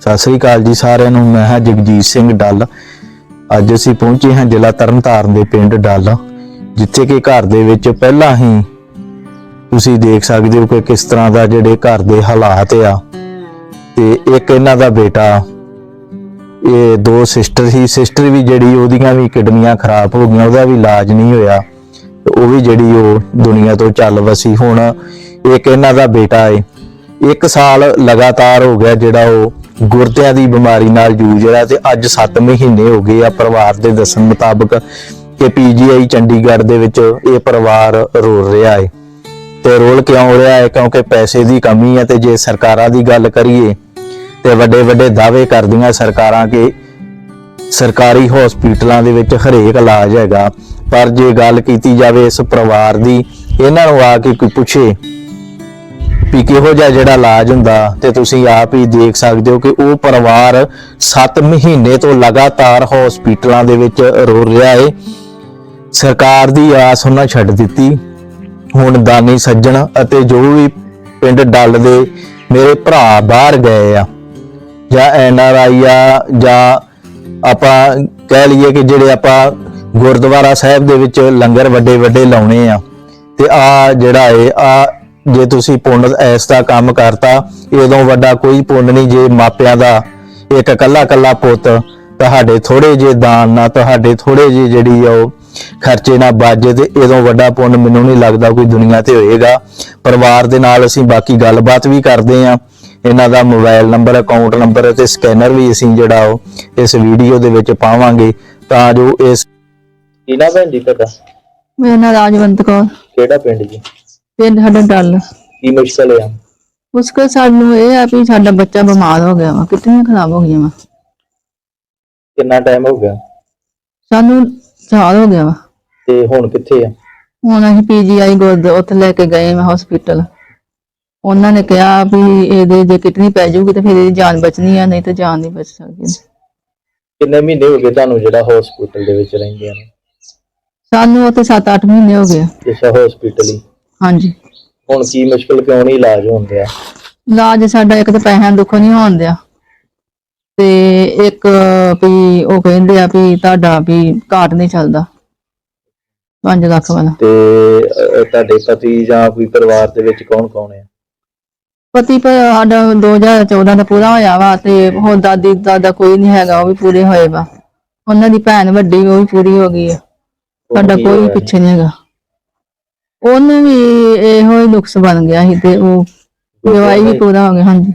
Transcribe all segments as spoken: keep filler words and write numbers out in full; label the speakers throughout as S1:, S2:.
S1: सत श्री अकाल जी सारिਆਂ ਨੂੰ। मैं ਹਾਂ जगजीत सिंह डल। ਅੱਜ ਅਸੀਂ ਪਹੁੰਚੇ ਹਾਂ ਜ਼ਿਲ੍ਹਾ ਤਰਨਤਾਰਨ ਦੇ ਪਿੰਡ ਡਲ, ਜਿੱਥੇ ਕਿ ਘਰ ਦੇ ਵਿੱਚ ਪਹਿਲਾਂ ਹੀ ਤੁਸੀਂ ਦੇਖ ਸਕਦੇ ਹੋ ਕਿ ਕਿਸ ਤਰ੍ਹਾਂ ਦਾ ਜਿਹੜੇ ਘਰ ਦੇ ਹਾਲਾਤ ਆ। ਤੇ ਇੱਕ ਇਹਨਾਂ ਦਾ ਬੇਟਾ, ਇਹ ਦੋ ਸਿਸਟਰ ਸੀ, ਸਿਸਟਰ ਵੀ ਜਿਹੜੀ ਉਹਦੀਆਂ ਵੀ ਕਿਡਨੀਆਂ ਖਰਾਬ ਹੋ ਗਈਆਂ, ਉਹਦਾ ਵੀ ਇਲਾਜ ਨਹੀਂ ਹੋਇਆ, ਉਹ ਵੀ ਜਿਹੜੀ ਉਹ ਦੁਨੀਆ ਤੋਂ ਚੱਲ ਵਸੀ। ਹੁਣ ਇੱਕ ਇਹਨਾਂ ਦਾ ਬੇਟਾ ਹੈ, ਇੱਕ ਸਾਲ ਲਗਾਤਾਰ ਹੋ ਗਿਆ ਜਿਹੜਾ ਉਹ ਗੁਰਦਿਆਂ ਦੀ ਬਿਮਾਰੀ ਨਾਲ ਜੂਝ ਰਿਹਾ, ਤੇ ਅੱਜ ਸੱਤ ਮਹੀਨੇ ਹੋ ਗਏ ਆ ਪਰਿਵਾਰ ਦੇ ਦੱਸਣ ਮੁਤਾਬਕ ਕਿ ਪੀਜੀਆਈ ਚੰਡੀਗੜ੍ਹ ਦੇ ਵਿੱਚ ਇਹ ਪਰਿਵਾਰ ਰੋ ਰਿਹਾ ਹੈ। ਤੇ ਰੋਲ ਕਿਉਂ ਰਿਹਾ ਹੈ? ਕਿਉਂਕਿ ਪੈਸੇ ਦੀ ਕਮੀ ਹੈ। ਤੇ ਜੇ ਸਰਕਾਰਾਂ ਦੀ ਗੱਲ ਕਰੀਏ ਤੇ ਵੱਡੇ ਵੱਡੇ ਦਾਅਵੇ ਕਰਦੀਆਂ ਸਰਕਾਰਾਂ ਕਿ ਸਰਕਾਰੀ ਹਸਪੀਟਲਾਂ ਦੇ ਵਿੱਚ ਹਰੇਕ ਇਲਾਜ ਹੈਗਾ, ਪਰ ਜੇ ਗੱਲ ਕੀਤੀ ਜਾਵੇ ਇਸ ਪਰਿਵਾਰ ਦੀ, ਇਹਨਾਂ ਨੂੰ ਆ ਕੇ ਕੋਈ ਪੁੱਛੇ ਵੀ ਕਿਹੋ ਜਿਹਾ ਜਿਹੜਾ ਇਲਾਜ ਹੁੰਦਾ, ਤੇ ਤੁਸੀਂ ਆਪ ਹੀ ਦੇਖ ਸਕਦੇ ਹੋ ਕਿ ਉਹ ਪਰਿਵਾਰ ਸੱਤ ਮਹੀਨੇ ਤੋਂ ਲਗਾਤਾਰ ਹਸਪੀਟਲਾਂ ਦੇ ਵਿੱਚ ਰੋ ਰਿਹਾ ਹੈ। ਸਰਕਾਰ ਦੀ ਆਸ ਉਹਨਾਂ ਛੱਡ ਦਿੱਤੀ। ਹੁਣ ਦਾਨੀ ਸੱਜਣ ਅਤੇ ਜੋ ਵੀ ਪਿੰਡ ਡੱਲ ਦੇ ਮੇਰੇ ਭਰਾ ਬਾਹਰ ਗਏ ਆ, ਜਾਂ ਐਨ ਆਰ ਆਈ ਆ, ਜਾਂ ਆਪਾਂ ਕਹਿ ਲਈਏ ਕਿ ਜਿਹੜੇ ਆਪਾਂ ਗੁਰਦੁਆਰਾ ਸਾਹਿਬ ਦੇ ਵਿੱਚ ਲੰਗਰ ਵੱਡੇ ਵੱਡੇ ਲਾਉਣੇ ਆ, ਤੇ ਆ ਜਿਹੜਾ ਹੈ ਆ ਜੇ ਤੁਸੀਂ ਪੁੰਨ ਐਸ ਦਾ ਕੰਮ ਕਰਤਾ, ਇਦੋਂ ਵੱਡਾ ਕੋਈ ਪੁੰਨ ਨਹੀਂ ਜੇ ਮਾਪਿਆਂ ਦਾ ਇੱਕ ਕੱਲਾ ਕੱਲਾ ਪੁੱਤ ਤੁਹਾਡੇ ਥੋੜੇ ਜਿਹੇ ਦਾਨ ਨਾਲ, ਤੁਹਾਡੇ ਥੋੜੇ ਜਿਹੇ ਜਿਹੜੀ ਆ ਉਹ ਖਰਚੇ ਨਾਲ ਬਾਜੇ, ਤੇ ਇਦੋਂ ਵੱਡਾ ਪੁੰਨ ਮੈਨੂੰ ਨਹੀਂ ਲੱਗਦਾ ਕੋਈ ਦੁਨੀਆ ਤੇ ਹੋਏਗਾ। ਪਰਿਵਾਰ ਦੇ ਨਾਲ ਅਸੀਂ ਬਾਕੀ ਗੱਲਬਾਤ ਵੀ ਕਰਦੇ ਆ, ਇਹਨਾਂ ਦਾ ਮੋਬਾਈਲ ਨੰਬਰ, ਅਕਾਊਂਟ ਨੰਬਰ ਤੇ ਸਕੈਨਰ ਵੀ ਅਸੀਂ ਜਿਹੜਾ ਉਹ ਇਸ ਵੀਡੀਓ ਦੇ ਵਿੱਚ ਪਾਵਾਂਗੇ, ਤਾਂ ਜੋ ਇਸ ਇਹਨਾਂ ਭੈਣ ਜੀ ਤੁਹਾਡਾ?
S2: ਮੇਰਾ ਨਾਮ ਰਾਜਵੰਤ ਕੌਰ।
S1: ਕਿਹੜਾ ਪਿੰਡ ਜੀ?
S2: ਪਿੰਡ ਸਾਡਾ ਡੱਲ।
S1: ਕੀ ਮੁਸ਼ਕਲ ਆ?
S2: ਮੁਸ਼ਕਲ ਸਾਨੂੰ ਇਹ ਆ ਵੀ ਸਾਡਾ ਬੱਚਾ ਬਿਮਾਰ ਹੋ ਗਿਆ ਵਾ, ਕਿਡਨੀਆਂ ਖਰਾਬ ਹੋ ਗਈਆਂ ਵਾ।
S1: ਕਿੰਨਾ ਟਾਈਮ ਹੋ ਗਿਆ?
S2: ਸਾਨੂੰ ਸਾਲ ਹੋ ਗਿਆ ਵਾ।
S1: ਤੇ ਹੁਣ ਕਿੱਥੇ ਆ?
S2: ਹੁਣ ਅਸੀਂ ਪੀਜੀਆਈ ਗੁਰਦ ਉੱਥੇ ਲੈ ਕੇ ਗਏ ਮੈਂ ਹਸਪੀਟਲ। ਉਹਨਾਂ ਨੇ ਕਿਹਾ ਵੀ ਇਹਦੇ ਜੇ ਕਿਡਨੀ ਪੈ ਜਾਊਗੀ ਤੇ ਫਿਰ ਇਹਦੀ ਜਾਨ ਬਚਣੀ ਆ, ਨਹੀਂ ਤੇ ਜਾਨ ਨਹੀਂ ਬਚ ਸਕਦੀ।
S1: ਕਿੰਨੇ ਮਹੀਨੇ ਹੋ ਗਏ ਤੁਹਾਨੂੰ ਜਿਹੜਾ ਹਸਪੀਟਲ ਦੇ ਵਿੱਚ ਰਹਿੰਦੇ ਆ?
S2: ਸਾਨੂੰ ਉੱਥੇ ਸੱਤ ਅੱਠ ਮਹੀਨੇ ਹੋ ਗਏ।
S1: ਅੱਛਾ, ਹਸਪੀਟਲ ਹੀ? ਹਾਂਜੀ। ਹੁਣ ਕੀ ਮੁਸ਼ਕਲ ਕਿਉਂ ਨਹੀਂ ਇਲਾਜ ਹੁੰਦਿਆ?
S2: ਇਲਾਜ ਸਾਡਾ ਇੱਕ ਤਾਂ ਪੈਸਿਆਂ ਦੁੱਖੋਂ ਨਹੀਂ ਹੋਣ ਦਿਆ, ਤੇ ਇੱਕ ਵੀ ਉਹ ਕਹਿੰਦੇ ਆ ਵੀ ਤੁਹਾਡਾ ਵੀ ਕਾਰਡ ਨਹੀਂ ਚੱਲਦਾ ਪੰਜ ਲੱਖ ਵਾਲਾ।
S1: ਤੇ ਤੁਹਾਡੇ ਪਤੀ ਜਾਂ ਕੋਈ ਪਰਿਵਾਰ ਦੇ ਵਿੱਚ ਕੌਣ ਕੌਣ ਹੈ?
S2: ਪਤੀ ਪਰ ਸਾਡਾ ਦੋ ਹਜ਼ਾਰ ਚੌਦਾਂ ਦਾ ਪੂਰਾ ਹੋਇਆ ਵਾ, ਤੇ ਹੁਣ ਦਾਦੀ ਦਾਦਾ ਕੋਈ ਨਹੀਂ ਹੈਗਾ, ਉਹ ਵੀ ਪੂਰੇ ਹੋਏ ਵਾ। ਉਹਨਾਂ ਦੀ ਭੈਣ ਵੱਡੀ ਉਹ ਵੀ ਪੂਰੀ ਹੋ ਗਈ ਹੈ, ਸਾਡਾ ਕੋਈ ਪਿੱਛੇ ਨਹੀਂ ਹੈਗਾ। ਉਹਨੂੰ ਵੀ ਇਹੋ ਹੀ ਨੁਕਸ ਬਣ ਗਿਆ ਸੀ, ਤੇ ਉਹ ਜਵਾਈ ਵੀ ਪੂਰਾ ਹੋ ਗਿਆ। ਹਾਂਜੀ,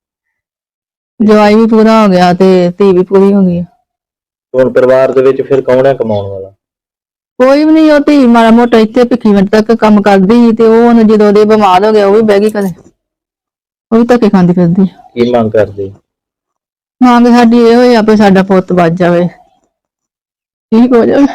S2: ਜਵਾਈ ਵੀ ਪੂਰਾ ਹੋ ਗਿਆ ਤੇ ਧੀ ਵੀ ਪੂਰੀ ਹੋ ਗਈ।
S1: ਹੁਣ ਪਰਿਵਾਰ ਦੇ ਵਿੱਚ ਫਿਰ ਕੌਣ ਹੈ ਕਮਾਉਣ ਵਾਲਾ?
S2: ਕੋਈ ਵੀ ਨਹੀਂ। ਉਹ ਧੀ ਮਾੜਾ ਮੋਟਾ ਇੱਥੇ ਭਿੱਖੀਵਿੰਡ ਤੱਕ ਕੰਮ ਕਰਦੀ ਸੀ, ਤੇ ਉਹ ਹੁਣ ਜਦੋਂ ਉਹਦੇ ਬਿਮਾਰ ਹੋ ਗਿਆ ਉਹ ਵੀ ਬਹਿ ਗਈ ਕਦੇ, ਉਹ ਵੀ ਧੱਕੇ ਖਾਂਦੀ ਫਿਰਦੀ।
S1: ਕੀ ਮੰਗ ਕਰਦੇ?
S2: ਮੰਗ ਸਾਡੀ ਇਹ ਹੋਈ ਆਪੇ ਸਾਡਾ ਪੁੱਤ ਬਚ ਜਾਵੇ, ਠੀਕ ਹੋ ਜਾਵੇ।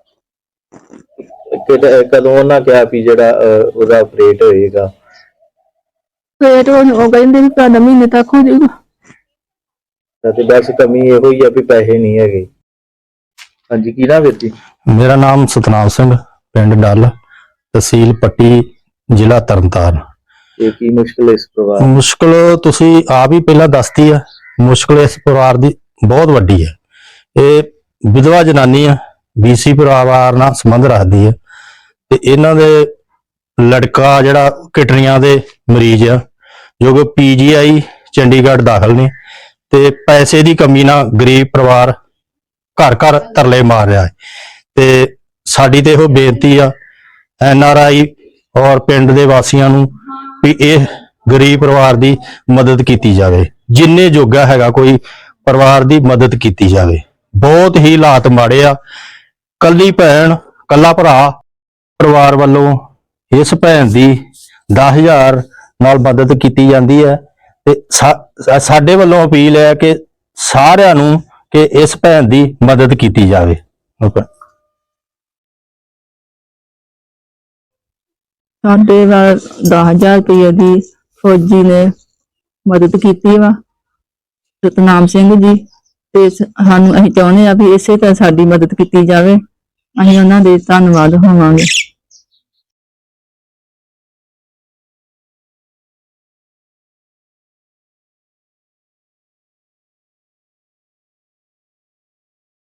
S1: ਕਦੋਂ ਉਹਨਾਂ ਕਿਹਾ ਵੀ ਜਿਹੜਾ ਉਹਦਾ ਆਪਰੇਟ ਹੋਏਗਾ?
S2: ਫੇਰ ਉਹ ਕਹਿੰਦੇ ਵੀ ਤੁਹਾਡਾ ਮਹੀਨੇ ਤੱਕ ਹੋ ਜਾਊਗਾ।
S1: ਤੇ ਬਸ ਕਮੀ ਇਹੋ ਹੀ ਆ ਵੀ ਪੈਸੇ ਨਹੀਂ ਹੈਗੇ। ਹਾਂਜੀ, ਕੀ ਨਾਮ ਵੀਰ ਜੀ?
S3: ਮੇਰਾ ਨਾਮ ਸਤਨਾਮ ਸਿੰਘ, ਪਿੰਡ ਡੱਲ, ਤਹਿਸੀਲ ਪੱਟੀ, ਜ਼ਿਲ੍ਹਾ ਤਰਨਤਾਰਨ।
S1: ਇਹ ਕੀ ਮੁਸ਼ਕਲ ਇਸ ਪਰਿਵਾਰ?
S3: ਮੁਸ਼ਕਲ ਤੁਸੀਂ ਆਪ ਹੀ ਪਹਿਲਾਂ ਦੱਸਤੀ ਆ। ਮੁਸ਼ਕਲ ਇਸ ਪਰਿਵਾਰ ਦੀ ਬਹੁਤ ਵੱਡੀ ਹੈ। ਇਹ ਵਿਧਵਾ ਜਨਾਨੀ ਆ, ਬੀਸੀ ਪਰਿਵਾਰ ਨਾਲ ਸੰਬੰਧ ਰੱਖਦੀ ਹੈ, ਤੇ ਇਹਨਾਂ ਦੇ ਲੜਕਾ ਜਿਹੜਾ ਕਿਡਨੀਆਂ ਦੇ ਮਰੀਜ਼ ਆ, ਜੋ ਕਿ ਪੀਜੀਆਈ ਚੰਡੀਗੜ੍ਹ ਦਾਖਲ ਨੇ, ਤੇ ਪੈਸੇ ਦੀ ਕਮੀ ਨਾਲ ਗਰੀਬ ਪਰਿਵਾਰ ਘਰ ਘਰ ਤਰਲੇ ਮਾਰ ਰਿਹਾ ਹੈ। ਤੇ ਸਾਡੀ ਤੇ ਇਹੋ ਬੇਨਤੀ ਆ ਐਨ ਆਰ ਆਈ ਔਰ ਪਿੰਡ ਦੇ ਵਾਸੀਆਂ ਨੂੰ ਵੀ ਇਹ ਗਰੀਬ ਪਰਿਵਾਰ ਦੀ ਮਦਦ ਕੀਤੀ ਜਾਵੇ, ਜਿੰਨੇ ਜੋਗਾ ਹੈਗਾ ਕੋਈ ਪਰਿਵਾਰ ਦੀ ਮਦਦ ਕੀਤੀ ਜਾਵੇ। ਬਹੁਤ ਹੀ ਹਾਲਾਤ ਮਾੜੇ ਆ। ਕੱਲੀ ਭੈਣ, ਕੱਲਾ ਭਰਾ, ਪਰਿਵਾਰ ਵੱਲੋਂ ਇਸ ਭੈਣ ਦੀ ਦਸ ਹਜ਼ਾਰ ਨਾਲ ਮਦਦ ਕੀਤੀ ਜਾਂਦੀ ਹੈ, ਤੇ ਸਾ, ਸਾਡੇ ਵੱਲੋਂ ਅਪੀਲ ਹੈ ਕਿ ਸਾਰਿਆਂ ਨੂੰ ਕਿ ਇਸ ਭੈਣ ਦੀ ਮਦਦ ਕੀਤੀ ਜਾਵੇ।
S2: ਸਾਡੇ ਨਾਲ ਦਸ ਹਜ਼ਾਰ ਰੁਪਏ ਦੀ ਫੌਜੀ ਨੇ ਮਦਦ ਕੀਤੀ ਵਾ, ਸਤਨਾਮ ਸਿੰਘ ਜੀ, ਤੇ ਸਾਨੂੰ ਅਸੀਂ ਚਾਹੁੰਦੇ ਆ ਵੀ ਇਸੇ ਤਰ੍ਹਾਂ ਸਾਡੀ ਮਦਦ ਕੀਤੀ ਜਾਵੇ। ਅਸੀਂ ਉਹਨਾਂ ਦੇ ਧੰਨਵਾਦ ਹੋਵਾਂਗੇ।